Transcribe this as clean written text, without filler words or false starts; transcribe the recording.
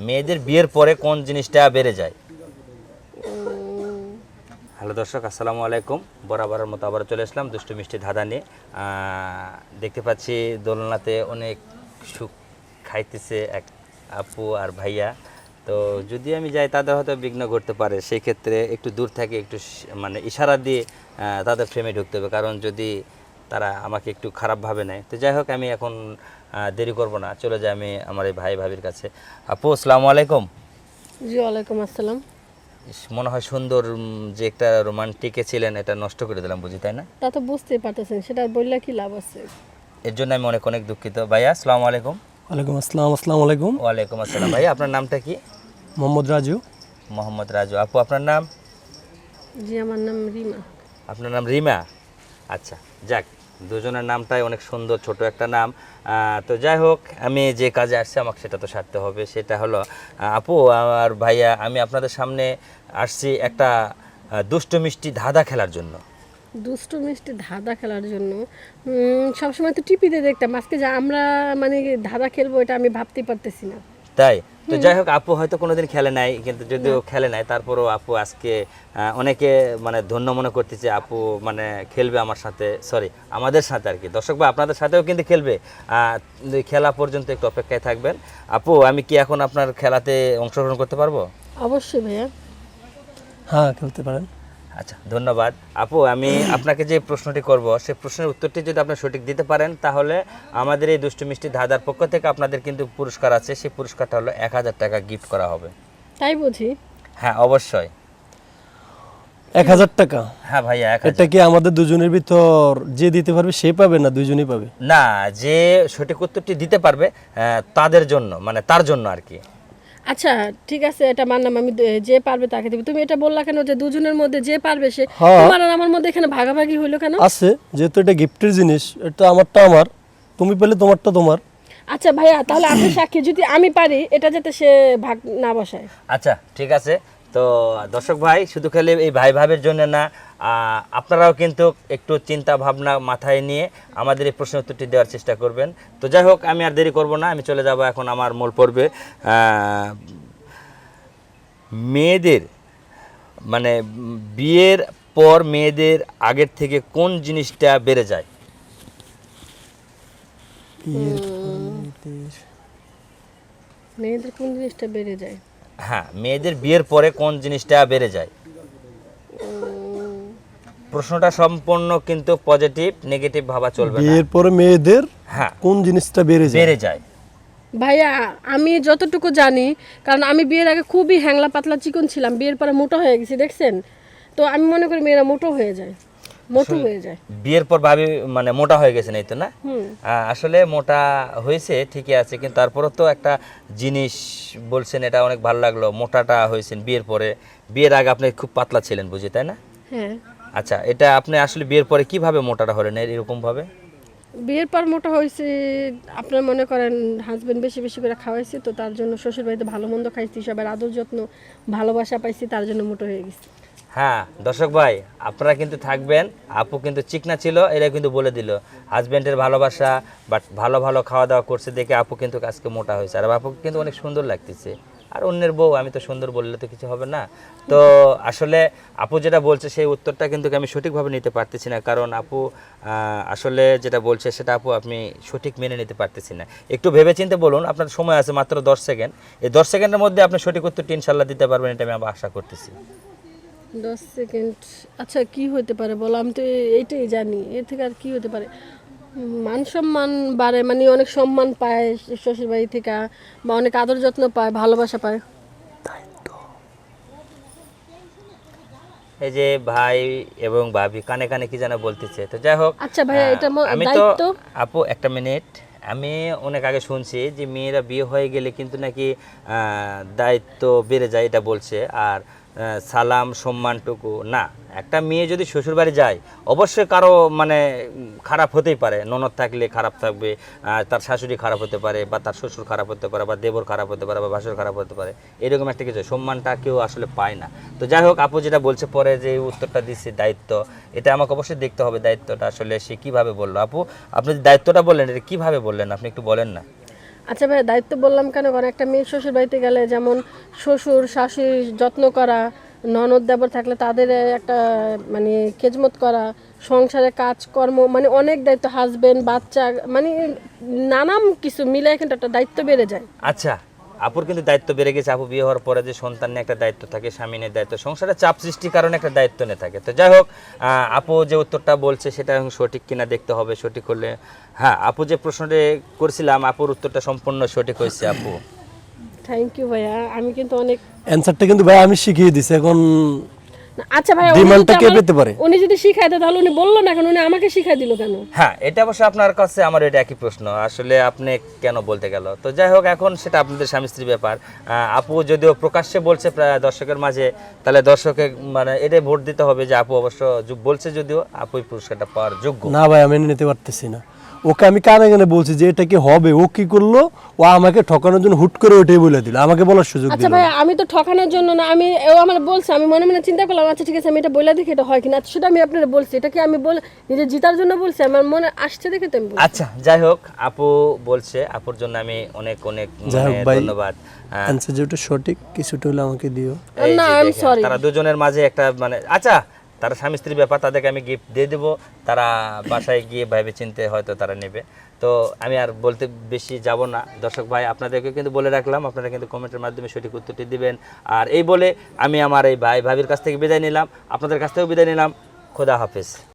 মেয়েদের বিয়ের পরে কোন জিনিসটা বেড়ে যায়? হ্যালো দর্শক, আসসালামু আলাইকুম। বরাবরের মতো আবার চলে আসলাম দুষ্টু মিষ্টি ধাঁধা নিয়ে। দেখতে পাচ্ছি দোলনাতে অনেক সুখ খাইতেছে এক আপু আর ভাইয়া। তো যদি আমি যাই তাদের হয়তো বিঘ্ন ঘটতে পারে, সেই ক্ষেত্রে একটু দূর থেকে একটু মানে ইশারা দিয়ে তাদের ফ্রেমে ঢুকতে হবে, কারণ যদি তারা আমাকে একটু খারাপভাবে নেয়। তো যাই হোক, আমি এখন দেরি করব না, চলে যাই আমি আমার এই ভাই ভাবির কাছে। আপু আসসালামু আলাইকুম। জি ওয়ালাইকুম আসসালাম। মনে হয় সুন্দর যে একটা রোমান্টিকে ছিলেন, এটা নষ্ট করে দিলাম বুঝি, তাই না? তা তো বুঝতেই পারতেছেন, সেটা বললে কি লাভ আছে? এর জন্য আমি অনেক অনেক দুঃখিত। ভাইয়া আসসালামু আলাইকুম। ওয়ালাইকুম আসসালাম। আসসালামু আলাইকুম। ওয়ালাইকুম আসসালাম। ভাইয়া আপনার নামটা কি? মোহাম্মদ রাজু। মোহাম্মদ রাজু। আপু আপনার নাম? জি আমার নাম রিমা। আপনার নাম রিমা। আচ্ছা, যাক, দুজনের নামটাই অনেক সুন্দর, ছোট একটা নাম। তো যাই হোক, আমি যে কাজে আসছি আমাকে সেটা তো সারতে হবে। সেটা হলো আপু আর ভাইয়া, আমি আপনাদের সামনে আসছি একটা দুষ্টু মিষ্টি ধাঁধা খেলার জন্য। দুষ্টু মিষ্টি ধাঁধা খেলার জন্য সবসময় তো টিভিতে দেখতাম, আজকে যে আমরা মানে ধাঁধা খেলবো এটা আমি ভাবতেই পারতেছি না। তাই তো যাই হোক, আপু হয়তো কোনোদিন খেলে নাই, কিন্তু যদিও খেলে নাই তারপরেও আপু আজকে অনেকে মানে ধন্য মনে করতেছে আপু মানে খেলবে আমার সাথে, সরি আমাদের সাথে আর কি। দর্শক ভাই আপনাদের সাথেও কিন্তু খেলবে। খেলা পর্যন্ত একটু অপেক্ষায় থাকবেন। আপু আমি কি এখন আপনার খেলাতে অংশগ্রহণ করতে পারবো? অবশ্যই ভাইয়া। হ্যাঁ, খেলতে পারেন। আচ্ছা, ধন্যবাদ। আপু আমি আপনাকে যে প্রশ্নটি করব, সেই প্রশ্নের উত্তরটি যদি আপনি সঠিক দিতে পারেন, তাহলে আমাদের এই দুষ্টু মিষ্টি ধাঁধার পক্ষ থেকে আপনাদের কিন্তু পুরস্কার আছে। সেই পুরস্কারটা হলো 1000 টাকা গিফট করা হবে। তাই বুঝি? হ্যাঁ অবশ্যই। 1000 টাকা? হ্যাঁ ভাইয়া, 1000। এটা কি আমাদের দুজনের ভিতর যে দিতে পারবে সে পাবে, না দুজনেই পাবে? না, যে সঠিক উত্তরটি দিতে পারবে তাদের জন্য, মানে তার জন্য আর কি। আচ্ছা ঠিক আছে, এটা মানলাম, আমি যে পারবে তাকে দেবো। তুমি এটা বললা কেন যে দুজনের মধ্যে যে পারবে সে? হ্যাঁ। তোমার আর আমার মধ্যে এখানে ভাগাভাগি হইলো কেন? আছে, যেহেতু এটা গিফটের জিনিস, এটা আমারটা আমার, তুমি পেলে তোমারটা তোমার। আচ্ছা ভাইয়া, তাহলে আপনি সাক্ষী, যদি আমি পারি এটা যাতে সে ভাগ না বসায়। আচ্ছা ঠিক আছে। তো দর্শক ভাই, শুধু খেলে এই ভাই ভাবের জন্য না, আপনারাও কিন্তু একটু চিন্তা ভাবনা মাথায় নিয়ে আমাদের এই প্রশ্ন উত্তরটি দেওয়ার চেষ্টা করবেন। তো যাই হোক, আমি আর দেরি করব না, আমি চলে যাব এখন আমার মূল পর্বে। মেয়েদের মানে বিয়ের পর মেয়েদের আগের থেকে কোন জিনিসটা বেড়ে যায়? মেয়েদের কোন জিনিসটা বেড়ে যায়? হ্যাঁ, মেয়েদের বিয়ের পরে কোন জিনিসটা বেড়ে যায়? প্রশ্নটা সম্পূর্ণ কিন্তু পজিটিভ, নেগেটিভ ভাবা চলবে না। বিয়ের পরে মেয়েদের হ্যাঁ, কোন জিনিসটা বেড়ে যায়? বেড়ে যায়। ভাইয়া আমি যতটুকু জানি, কারণ আমি বিয়ের আগে খুবই হ্যাংলা পাতলা চিকন ছিলাম, বিয়ের পরে মোটা হয়ে গেছি দেখছেন, তো আমি মনে করি মেয়েরা মোটো হয়ে যায়, মোটু হয়ে যায়। বিয়ের পর ভাবি মানে মোটা হয়ে গেছেন, এই তো না? আসলে মোটা হয়েছে ঠিকই আছে, কিন্তু তারপরও তো একটা জিনিস বলছেন, এটা অনেক ভালো লাগলো, মোটাটা হয়েছেন বিয়ের পরে। বিয়ের আগে আপনি খুব পাতলা ছিলেন বুঝি, তাই না? হ্যাঁ। আচ্ছা, এটা আপনি আসলে বিয়ের পরে কিভাবে মোটাটা হলেন এরকম ভাবে? বিয়ের পর মোটা হয়েছে, আপনার মনে করেন হাজবেন্ড বেশি বেশি করে খাওয়াইছে, তো তার জন্য শ্বশুর বাড়িতে ভালো মন্দ খাইছি, সবার আদর যত্ন ভালোবাসা পাইছি, তার জন্য মোটা হয়ে গেছি। হ্যাঁ দর্শক ভাই, আপনারা কিন্তু থাকবেন। আপু কিন্তু চিকনা ছিল, এরা কিন্তু বলে দিল হাজব্যান্ডের ভালোবাসা, বাট ভালো ভালো খাওয়া দাওয়া করছে দেখে আপু কিন্তু আজকে মোটা হয়েছে। আর আপুকে কিন্তু অনেক সুন্দর লাগতেছে। আর অন্যের বউ, আমি তো সুন্দর বললে তো কিছু হবে না। তো আসলে আপু যেটা বলছে সেই উত্তরটা কিন্তু আমি সঠিকভাবে নিতে পারতেছি না, কারণ আপু আসলে যেটা বলছে সেটা আপু আপনি সঠিক মেনে নিতে পারতেছি না। একটু ভেবেচিন্তে বলুন, আপনার সময় আছে মাত্র 10 সেকেন্ড। এই 10 সেকেন্ডের মধ্যে আপনি সঠিক উত্তরটি ইনশাল্লাহ দিতে পারবেন, এটা আমি আশা করতেছি। 10 সেকেন্ড? আচ্ছা কি হতে পারে বলো, আমি তো এইটাই জানি, এর থেকে আর কি হতে পারে? মান সম্মান বাড়ে, মানে অনেক সম্মান পায় শ্বশুর বাড়ি থেকে, বা অনেক আদর যত্ন পায়, ভালোবাসা পায়। এই যে ভাই এবং ভাবি কানে কানে কি যেন বলতেছে, তো যাই হোক। আচ্ছা ভাইয়া, এটা আমি তো দায়িত্ব। আপু একটা মিনিট, আমি অনেক আগে শুনছি যে মেয়েরা বিয়ে হয়ে গেলে কিন্তু নাকি দায়িত্ব বেড়ে যায়, এটা বলছে। আর সালাম সম্মানটুকু না, একটা মেয়ে যদি শ্বশুরবাড়ি যায় অবশ্যই কারো মানে খারাপ হতেই পারে, ননদ থাকলে খারাপ থাকবে, তার শাশুড়ি খারাপ হতে পারে, বা তার শ্বশুর খারাপ হতে পারে, বা দেবর খারাপ হতে পারে, বা ভাসুর খারাপ হতে পারে, এরকম একটা কিছু, সম্মানটা কেউ আসলে পায় না। তো যাই হোক, আপু যেটা বলছে পরে যে উত্তরটা দিচ্ছে দায়িত্ব, এটা আমাকে অবশ্যই দেখতে হবে দায়িত্বটা আসলে সে কিভাবে বললো। আপু আপনি যে দায়িত্বটা বললেন, এটা কিভাবে বললেন আপনি একটু বলেন না? আচ্ছা ভাই, দায়িত্ব বললাম কেন, কারণ একটা মেয়ে শ্বশুর বাড়িতে গেলে যেমন শ্বশুর শাশুড়ির যত্ন করা, ননদ দেবর থাকলে তাদের একটা মানে খেজমত করা, সংসারে কাজকর্ম, মানে অনেক দায়িত্ব, হাজবেন্ড বাচ্চা, মানে নানান কিছু মিলে কিন্তু একটা দায়িত্ব বেড়ে যায়। আচ্ছা, আপুর কিন্তু দায়িত্ব বেড়ে গেছে। আপু বিয়ে হওয়ার পরে যে সন্তান নিয়ে একটা দায়িত্ব থাকে, স্বামী নিয়ে দায়িত্ব, সংসারে চাপ সৃষ্টির কারণে একটা দায়িত্ব নিয়ে থাকে। তো যাই হোক, আপু যে উত্তরটা বলছে সেটা এখন সঠিক কিনা দেখতে হবে। সঠিক হলে, হ্যাঁ, আপু যে প্রশ্নটা করছিলাম আপুর উত্তরটা সম্পূর্ণ সঠিক হয়েছে আপু। থ্যাংক ইউ ভাইয়া, আমি কিন্তু অনেক অ্যান্সারটা কিন্তু ভাই আমি শিখিয়ে দিছি, এখন আচ্ছা ভাইয়া, ডিমান্ডটা কে পেতে পারে? উনি যদি শিখাই দেয় তাহলে উনি বললো না কেন, উনি আমাকে শিখাই দিল কেন? হ্যাঁ, এটা অবশ্য আপনার কাছে আমার এটা একই প্রশ্ন, আসলে আপনি কেন বলতে গেল। তো যাই হোক, এখন সেটা আপনাদের স্বামী স্ত্রীর ব্যাপার। আপু যদিও প্রকাশ্যে বলছে প্রায় দর্শকের মাঝে, তাহলে দর্শকে মানে এটাই ভোট দিতে হবে যে আপু অবশ্য বলছে, যদিও আপুই পুরস্কারটা পাওয়ার যোগ্য। না ভাই, আমি নিতে পারতেছি না। ওকে আমি কানে কানে বলছি যে এটা কি হবে, ও কি করলো, ও আমাকে ঠকানোর জন্য হুট করে ওইটাই বলে দিল, আমাকে বলার সুযোগ আচ্ছা দিল ভাই, না। আমি তো ঠকানোর জন্য না, আমি ও আমার বলছে, আমি মনে মনে চিন্তা করলাম আচ্ছা ঠিক আছে আমি এটা বলে দেখি এটা হয় কিনা। সেটা আমি আপনারা বলছি, এটা কি আমি নিজে জিতার জন্য বলছি, আমার মনে আসছে দেখে তো আমি বলছি। আচ্ছা, যাই হোক, আপু বলছে, আপুর জন্য আমি অনেক অনেক যাই হোক মানে ভাই, ধন্যবাদ। অ্যান্সার যেটা সঠিক কিছুটা হলে আমাকে দিও। এই যে না, আই এম দেখেন, সরি। তারা দুজনের মাঝে একটা মানে, আচ্ছা, তারা স্বামী স্ত্রীর ব্যাপার, তাদেরকে আমি গিফট দিয়ে দেবো, তারা বাসায় গিয়ে ভাবে চিনতে হয়তো তারা নেবে। তো আমি আর বলতে বেশি যাব না। দর্শক ভাই, আপনাদেরকে কিন্তু বলে রাখলাম, আপনারা কিন্তু কমেন্টের মাধ্যমে সঠিক উত্তরটি দিবেন। আর এই বলে আমি আমার এই ভাই ভাবির কাছ থেকে বিদায় নিলাম, আপনাদের কাছ থেকেও বিদায় নিলাম। খোদা হাফেজ।